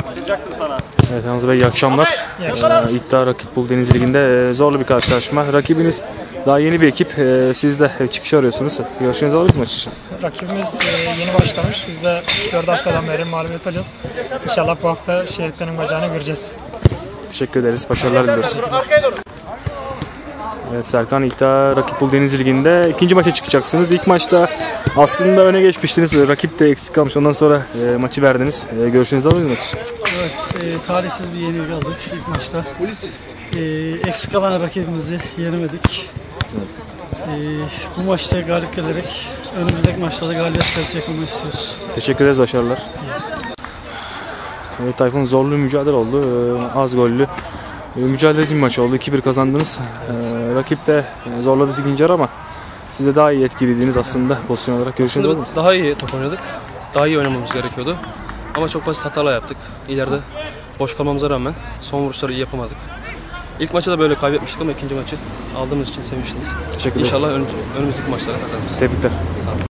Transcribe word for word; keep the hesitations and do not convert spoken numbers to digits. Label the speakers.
Speaker 1: Evet Hamza Bey, iyi akşamlar.
Speaker 2: İyi akşamlar.
Speaker 1: Ee, İddia Rakip Bul Deniz Ligi'nde e, zorlu bir karşılaşma. Rakibiniz daha yeni bir ekip. E, siz de çıkış arıyorsunuz. Görüşlerinizi alırız maç için.
Speaker 2: Rakibimiz e, yeni başlamış. Biz de üç dört haftadan beri mağlubiyet alıyoruz. İnşallah bu hafta Şehitlerin bacağını göreceğiz.
Speaker 1: Teşekkür ederiz. Başarılar diliyoruz. Evet Serkan, İddia Rakip Bul Deniz Ligi'nde ikinci maça çıkacaksınız. İlk maçta aslında öne geçmiştiniz. Rakip de eksik kalmış. Ondan sonra e, maçı verdiniz. E, görüşlerinizi alırız maç için.
Speaker 3: Evet, e, talihsiz bir yenilgi aldık ilk maçta. E, eksik kalan rakibimizi yenemedik. E, bu maçta galip gelerek önümüzdeki maçlarda galibiyet serisi yakalamak istiyoruz.
Speaker 1: Teşekkür ederiz. Başarılar. Evet Tayfun, zorlu bir mücadele oldu. E, az gollü. E, mücadeleci bir maç oldu. iki bir kazandınız. E, rakip de e, zorladı ikinci yarı ama siz de daha iyi etkiliydiniz aslında pozisyon olarak. Görüşünüz olur mu?
Speaker 4: Daha iyi top oynadık. Daha iyi oynamamız gerekiyordu. Ama çok basit hatalar yaptık. İleride boş kalmamıza rağmen son vuruşları iyi yapamadık. İlk maçı da böyle kaybetmiştik ama ikinci maçı aldığımız için sevinçliyiz.
Speaker 1: Teşekkür ederiz.
Speaker 4: İnşallah önümüzdeki maçlara kazanırız.
Speaker 1: Tebrikler.
Speaker 4: Sağ olun.